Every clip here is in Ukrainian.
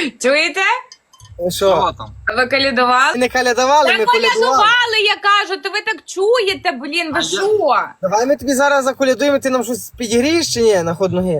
Чуєте? Що? Що там? А ви колядували? Ми не колядували, Та ми колядували. колядували, я кажу, то ви так чуєте, блін, ви що? Давай ми тобі зараз заколядуємо, ти нам щось підігрієш чи ні на ход ноги?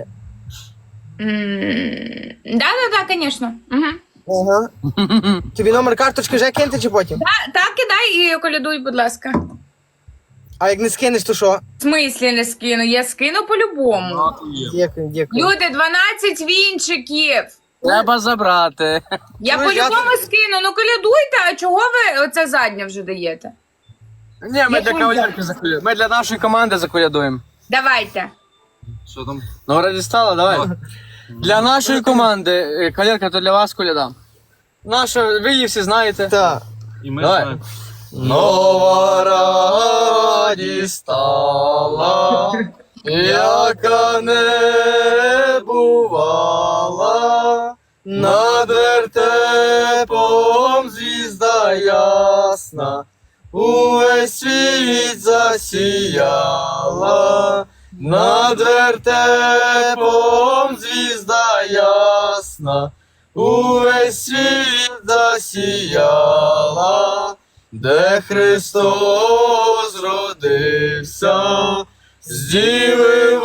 Да, звісно. Ага. Тобі номер карточки вже кинути чи потім? Так, кидай і колядуй, будь ласка. А як не скинеш, то що? В смислі не скину? Я скину по-любому. Дякую, дякую. Люди, 12 вінчиків. Треба забрати. Я Ну, по-любому скину. Ну колядуйте, а чого ви оце заднє вже даєте? Ні, ми для кавалерки заколядуємо. Ми для нашої команди заколядуємо. Давайте. Що там? Ну, раді стало, давай. Для нашої команди, кавалерка, то для вас коляда. Наша, ви її всі знаєте. Так. І ми знаємо. Нова радість стала, яка не бувала, над вертепом звізда ясна, увесь світ засіяла, над вертепом звізда ясна, увесь світ засіяла, де Христос родився, з діви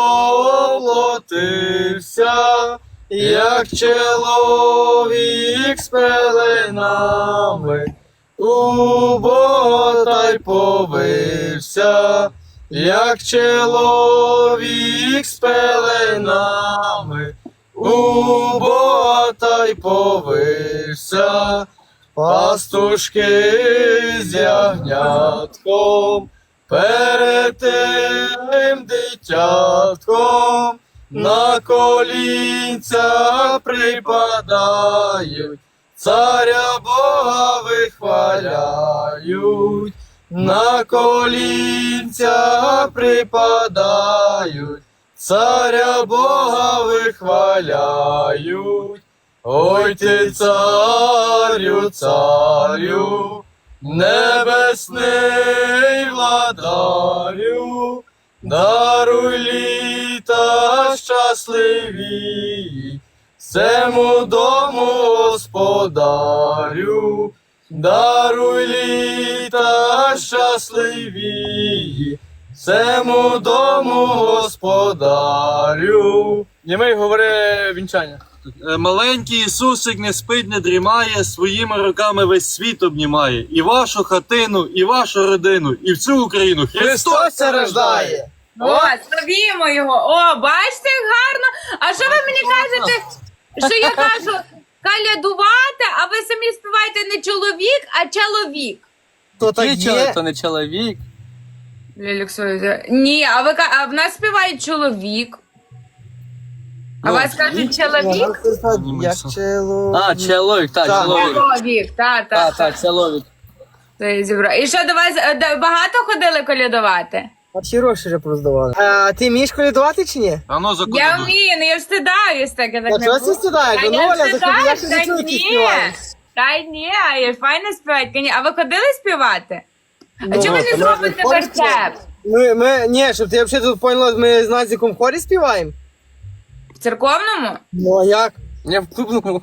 воплотився, як чоловік з пеленами, у Бога та й повився, як чоловік з пеленами, у Бога та й повився. Пастушки з ягнятком, перед тим дитятком, на колінця припадають, царя Бога вихваляють, на колінця припадають, царя Бога вихваляють. Ой ти, царю, царю, небесний владарю, даруй літа щасливі, всему дому господарю, даруй літа щасливі, всему дому господарю. Німей говори вінчання. Маленький Ісусик не спить, не дрімає, своїми руками весь світ обнімає. І вашу хатину, і вашу родину, і всю Україну. Христос це рождає. О, славімо його. О, бачите, як гарно. А що ви мені кажете, що я кажу колядувати, а ви самі співаєте не чоловік, а чоловік? То так є. То не чоловік. Ні, а в нас співає чоловік. А вас кажуть чоловік? Як чоловік. А, чоловік, так, Так. чоловік. Чоловік, так. Так, чоловік. Це я зібрала. І що, до вас багато ходили колядувати? А всі гроші вже проздавали. А ти вмієш колядувати чи ні? А ну Я заколядуй. вмію, ну я встидаюсь так, я так А не чого буду. ти стидаєш? Та Ну, я Оля, заходи, я встидаюсь, ще та не чую, як ти ні. співаєш. Та ні, я файно співати. А ви ходили співати? А Ну, чому ви то не ми зробите виходимо. вертеп? Ні, щоб ти взагалі тут поняла, ми з Назіком в хорі співаємо. В церковному? Ну, а як? Не в клубному.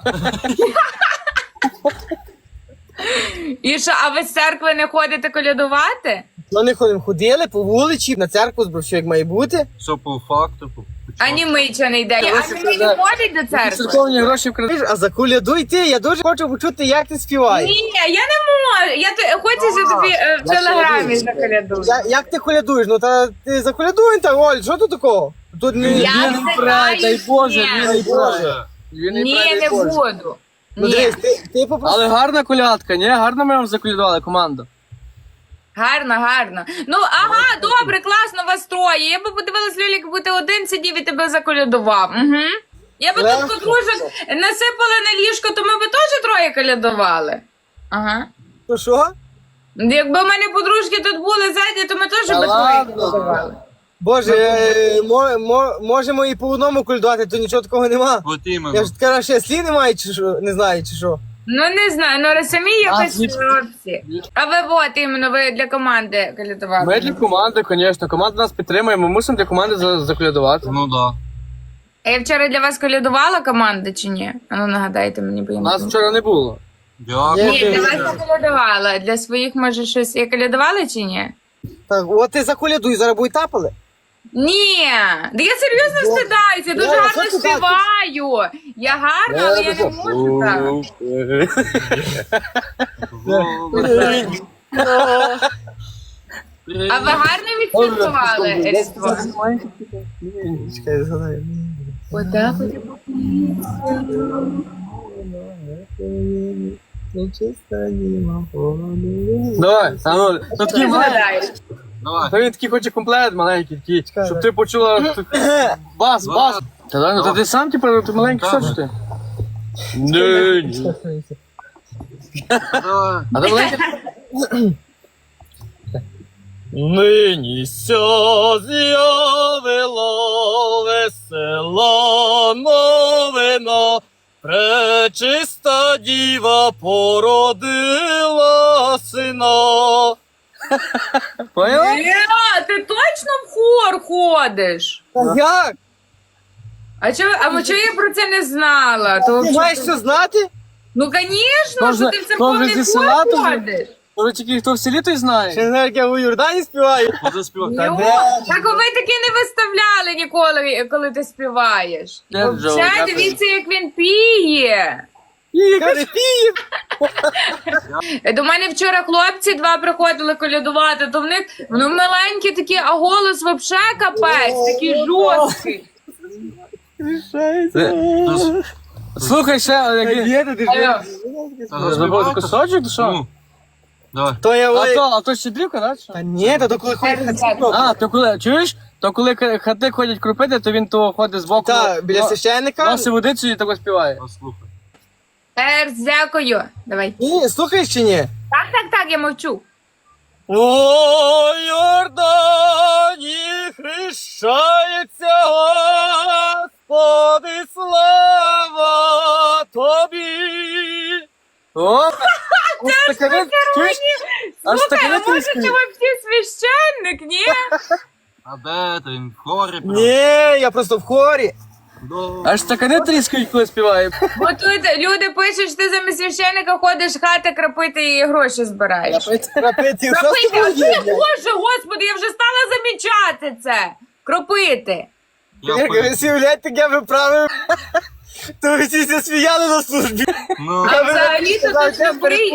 І що, а ви з церкви не ходите колядувати? Ну, не ходимо, ходили по вулиці, на церкву збрав, що як має бути. Все по факту. А ні, ми чого не йде. А ні, не ходить до церкви? Церковні гроші вкрали. А заколядуй ти, я дуже хочу почути, як ти співаєш. Ні, я не можу. Хочу, що тобі в телеграмі заколядую. Як ти колядуєш? Ну, та ти заколядуй так, Оль, що тут такого? Тут не... Я Він не прає, дай Боже, він не прає. Ні, не буду. Ну, Ні. дивись, ти попроси. Але гарна колядка, ні? Гарно ми вам заколядували команду. Гарно. Ну, ага, добре, класно вас троє. Я би подивилась, Лілік, якби ти один сидів і тебе заколядував. Угу. Я би Легко. тут подружок насипала на ліжко, то ми би теж троє колядували. Ага. Ну що? Якби в мене подружки тут були ззаді, то ми теж Та би троє ладно. колядували. Боже, можемо і по одному колядувати, то нічого такого нема. От Я іменно. ж така ще слів немає, чи що? Не знаю, чи що. Ну, не знаю, ну самі якось звідки? хлопці. А ви от іменно, ви для команди колядували. Ми для команди, звісно. Команда нас підтримує, ми мусимо для команди заколядувати. Ну да. А я вчора для вас колядувала команда чи ні? А ну нагадайте мені, бо я не Нас пам'ятаю. вчора не було. Дякую. Ні, для вас я колядувала. Для своїх, може, щось. Я колядувала чи ні? Так, от ти заколядуй, зараз будуть тапали. Ні, да я серйозно встидаюся, я дуже Ні, гарно що ти співаю. Я гарна, але я не можу так. А ви гарно відсвяткували Різдво? Чекай, згадаю. Отак от. Давай, а ну, ну такий маленький. Згадаєш. Давай. Та він такий хоче комплект маленький, такий, щоб ти почула бас. Та дай, ну то ти сам, типу, ти маленький, що ж ти? Ні. Давай. А ти маленький? Нині ся з'явило весела новина, пречиста діва породила сина. Поняла? Ти точно в хор ходиш? Та як? А чого я про це не знала? То, Ти маєш що знати? ну, звісно, Може- що ти в церковний може, зі села хор тобі? ходиш. Може тільки хто в селі, той знає. Чи не знаю, як я у Йордані співаю? Заспівай. Ну, так ви таки не виставляли ніколи, коли ти співаєш. Я Джо, Ще дякую. дивіться, як він піє. Каже, пів. До мене вчора хлопці два приходили колядувати, то в них ну, маленькі такі, а голос вообще капець, такий жорсткий. Слухай ще, як Є, ти Алло. забув кусочок, то що? Ну, давай. То я А то щедрівка, так? Та ні, то коли ходять А, то коли, чуєш? То коли хати ходять кропити, то він то ходить збоку. Та, біля священника. Носить водицю і тако співає. Послухай. Дякую. Давай. Ні, слухаєш чи ні? Так, я мовчу. О, Йордані хрещається Господи, слава тобі. О, аж таке, чуєш? Аж Слухай, таке а може витріскує. ти взагалі священник, ні? А де ти? Він в хорі прям? Ні, я просто в хорі. Аж таке не тріскають, коли співає. Бо тут люди пишуть, що ти замість священника ходиш хати крапити і гроші збираєш. Крапити, що з Кропити, тобою є? Боже, господи, я вже стала замічати це. Кропити. Як ви сівляєте, як я виправив, то ви всі се сміяли на службі. Ну, А взагалі-то тут добрий.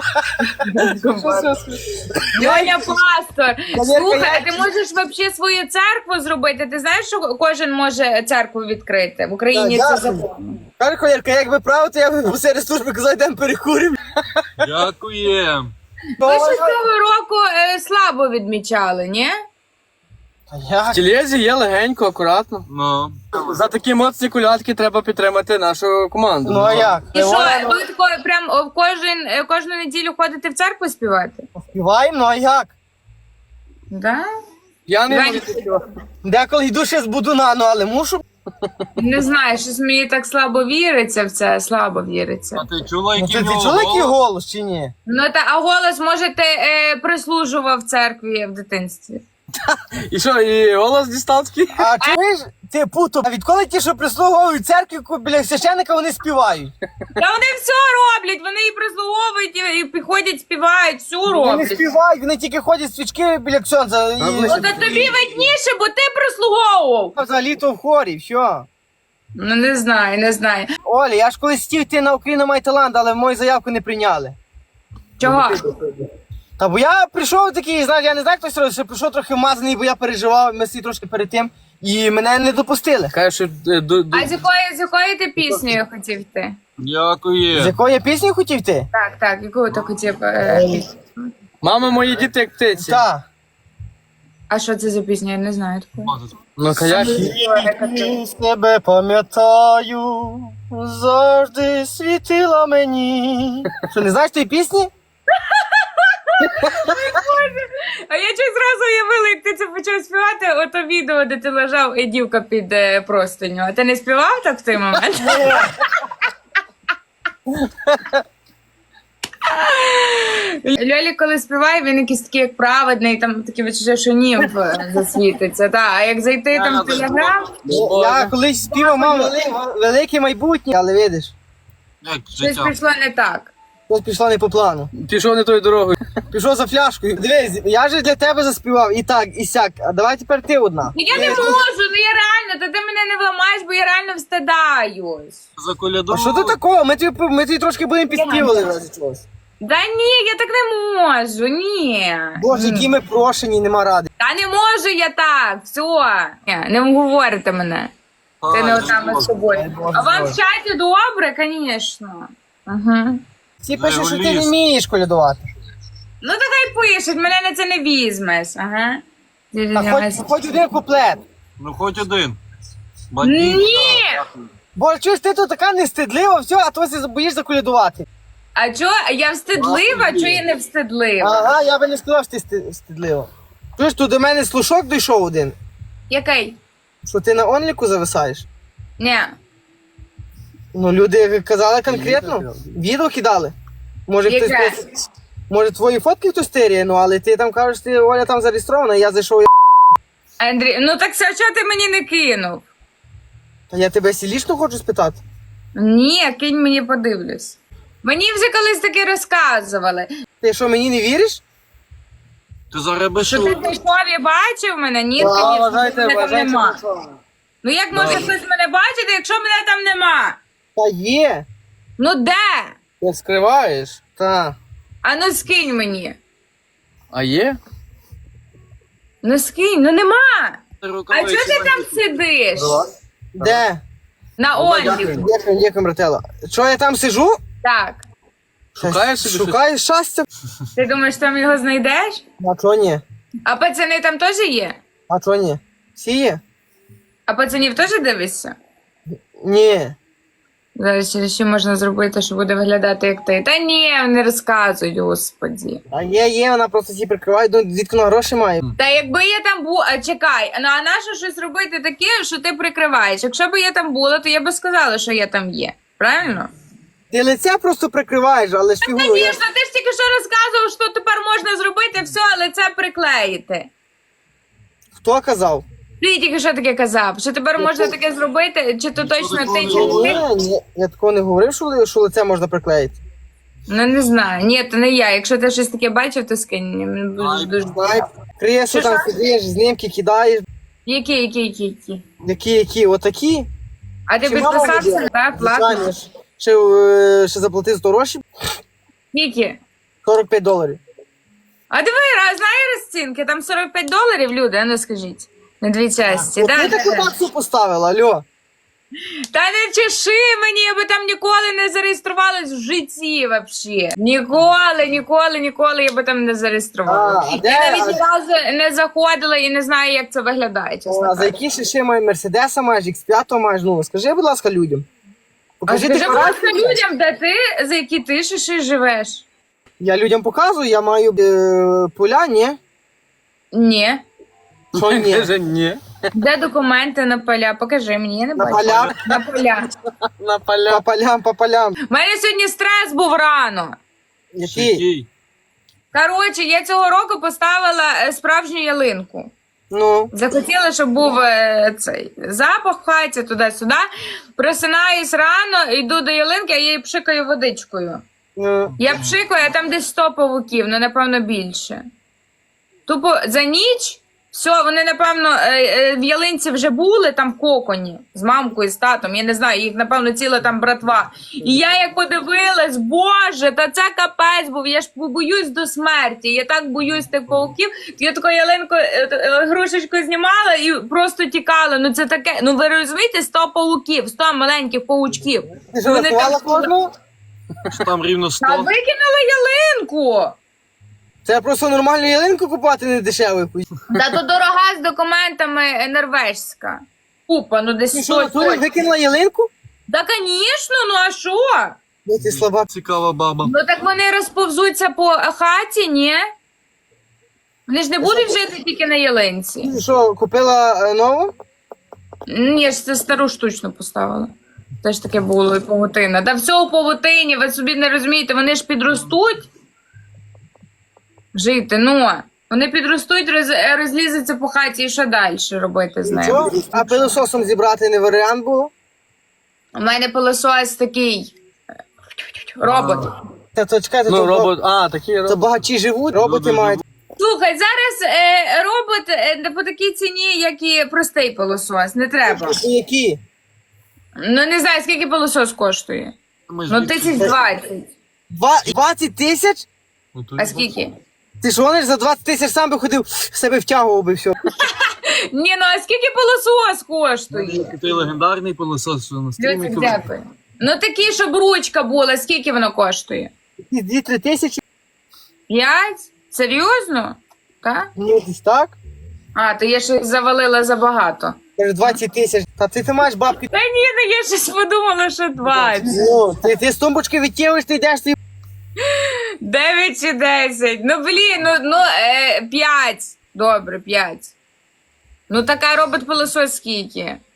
Льоня пастор. Слухай, а ти можеш взагалі свою церкву зробити? Ти знаєш, що кожен може церкву відкрити? В Україні Так, це дякую. закон. Каже, колірка, як виправити, я посеред служби казав, йдемо перекуримо. дякуєм. Ви ж цього року слабо відмічали, ні? В тілезі є легенько, акуратно. Ну, За такі моцні колядки треба підтримати нашу команду. Ну а як? І що, ви тако прям кожну неділю ходите в церкву співати? Співаємо, ну а як? Да? Я не Давай. можу. Деколи йду ще з будуна, ну але мушу. Не знаю, щось мені так слабо віриться в це, слабо віриться. а ти чула, Ну, який ти в нього чула, який голос? голос чи ні? Ну та а голос, може, ти прислужував в церкві в дитинстві? І що, і голос дістав? А чуєш, ти путу, а відколи ті, що прислуговують церкві біля священника, вони співають? Та вони все роблять, вони і прислуговують, і підходять, співають, все Вони не роблять. співають, вони тільки ходять свічки біля ксьонза. І... Ну та тобі видніше, бо ти прислуговував. Взагалі-то в хорі, що? Ну не знаю. Оля, я ж колись хотів йти на Україну має талант, але мою заявку не прийняли. Чого? Та бо я прийшов такий, знаєш, я не знаю, хтось робить, що прийшов трохи вмазаний, бо я переживав, ми всі трошки перед тим, і мене не допустили. Каже, що А з якою ти піснею хотів йти? З Дякуєм. якої я пісні хотів йти? Так, яку ти хотів пісню? мама, мої діти як птиці. Так. А що це за пісня? Я не знаю такої. Ну, каяк. І себе пам'ятаю, завжди світила мені. Що, не знаєш тієї пісні? А я чогось зразу уявила, як ти це почав співати, ото відео, де ти лежав і дівка під простиню. А ти не співав так в той момент? Льолі, коли співає, він якийсь такий як праведний, там такі відчуття, що німф засвітиться. Та. А як зайти там в телеграм, Я колись співав, мав велике майбутнє, але видиш, Як щось життя. пішло не так. щось пішло не по плану. Пішов не тою дорогою. Пішов за фляшкою. Дивись, я же для тебе заспівав і так, і сяк. А давай тепер ти одна. Ну я не можу, ну я реально, та ти мене не вламаєш, бо я реально встидаюсь. А що тут такого? Ми тобі трошки будемо підспівали в разі чогось. Да ні, я так не можу, ні. Боже, які ми прошені, нема ради. Та не можу я так, все. Ні, не говорите мене. Ти не отам з собою. А вам в чаті добре, звісно. Угу. Всі пишуть, що ти не вмієш колядувати. Ну то хай пишуть, мене на це не візьмеш. Ага. А хоч один куплет. Ну хоч один. Ні! Бо чуєш, ти тут така нестидлива, все, а то ти боїшся колядувати. А чо? Я встидлива, чо я не встидлива? Ага, я би не сказав, що ти стидлива. Чуєш, тут до мене слушок дійшов один, Який? що ти на онліку зависаєш. Ні. Ну, люди казали конкретно, відео кидали. Може, Яке? може твої фотки хтось тиряє, ну, але ти там кажеш, ти Оля там зареєстрована, я зайшов, Андрій, ну так все, чого ти мені не кинув? Та я тебе сілішно хочу спитати. Ні, кинь мені подивлюсь. Мені вже колись таке розказували. Ти що, мені не віриш? Ти зараз Що ти зайшов і бачив мене? Ні, Да, звісно, вважайте, мене там вважайте. нема. Ну як може хтось мене бачити, якщо мене там нема? Та є. Ну де? Ти скриваєш? Та. А ну скинь мені. А є? Ну скинь, ну нема. А рукавиці. чого ти там сидиш? Де? На онлі. Дякую, братела. Що я там сижу? Так. Шукаєш собі щось? Шукаю щастя. Ти думаєш, там його знайдеш? А чого ні? А пацани там теж є? А чого ні? Всі є? А пацанів теж дивишся? Ні. Зараз через що можна зробити, що буде виглядати як ти? Та ні, не розказують, господі. А є, вона просто всі прикриває, звідки вона гроші має. Та якби я там була, а чекай, ну а нащо щось робити таке, що ти прикриваєш? Якщо б я там була, то я би сказала, що я там є. Правильно? Ти лице просто прикриваєш, але ж фігуру. Звісно, ти ж тільки що розказував, що тепер можна зробити все, але це приклеїти. Хто казав? Ти тільки що таке казав, що тепер можна таке зробити, чи то точно ти, чи не ти? Ні, я такого не говорив, що лице можна приклеїти. Ну не знаю. Ні, то не я. Якщо ти щось таке бачив, то скинь. Мені буде дуже. Знай, кресло там сидиш, знімки кидаєш. Які? Які, отакі. А ти Чи мама підписався, буде? так? Платно? Звичайно ж. Ще заплатив 100 грошей, Які? $45. А диви, знає розцінки, там $45, люди, а ну скажіть. На дві часті, От да? ти таку таксу поставила, алло. Та не чеши мені, я би там ніколи не зареєструвалась в житті вообще. Ніколи я би там не зареєструвалася. А де? Я навіть ні разу не заходила і не знаю, як це виглядає, чесно А за кажучи. які ще має Мерседеса маєш, X5 маєш, ну скажи, будь ласка, людям. А Покажи скажи, будь ласка, декларацію. людям, де ти, за які ти ще живеш? Я людям показую, я маю поля, ні? Ні. Що ні? Каже, ні. Де документи на поля? Покажи мені, я не На бачу. поля? На поля. На поля. По полям. У мене сьогодні стрес був рано. Який? Який? Коротше, я цього року поставила справжню ялинку. Ну, Захотіла, щоб був цей запах в хаті, туди-сюди. Просинаюсь рано, йду до ялинки, а я її пшикаю водичкою. Я пшикаю, а там десь 100 павуків, ну, напевно, більше. Тупо за ніч, все, вони, напевно, в ялинці вже були там в коконі з мамкою, з татом, я не знаю, їх, напевно, ціла там братва. І я як подивилась, боже, та це капець був, я ж боюсь до смерті, я так боюсь тих павуків. Я таку ялинку, грушечку знімала і просто тікала. Ну це таке, ну ви розумієте, 100 павуків, 100 маленьких павучків. ти ж рахувала кожного? Що там рівно 100? Та викинула ялинку! Це просто нормальну ялинку купувати не дешево. Та то дорога з документами норвежська. Купа, ну десь Ти що, 100. Наталя, викинула ялинку? Та, звісно, ну а що? Я ти слаба. Цікава баба. Ну так вони розповзуться по хаті, ні? Вони ж не будуть жити тільки на ялинці. Ти що, купила нову? Ні, я ж це стару штучно поставила. Теж таке було і павутина. Та все у павутині, ви собі не розумієте, вони ж підростуть. жити. Ну, вони підростуть, розлізуться по хаті і що далі робити з ними? Що? А пилососом зібрати не варіант був? У мене пилосос такий робот. Та то чекайте, Ну, то, робот, такі то робот. багачі живуть, роботи Люди мають. Слухай, зараз робот по такій ціні, як і простий пилосос, не треба. Які? Ну не знаю, скільки пилосос коштує. Ми ж Ну від- 1020. 20 тисяч? Ну, то А й скільки? Ти ж вони ж за 20 тисяч сам би ходив, себе втягував би все. Ні, ну а скільки пилосос коштує? Той легендарний пилосос, що на стрімі. Люцик, дякую. Ну такий, щоб ручка була, скільки воно коштує? 2-3 тисячі? 5? Серйозно? Так? Ну, десь так. А, то я щось завалила забагато. Каже, 20 тисяч. Та ти маєш бабки. Та ні, ну я щось подумала, що 20. Ну, ти з тумбочки відтягуєш, ти йдеш, ти 9 чи 10. Ну, блін, 5. Добре, 5. Ну, така робот-пилосос скільки?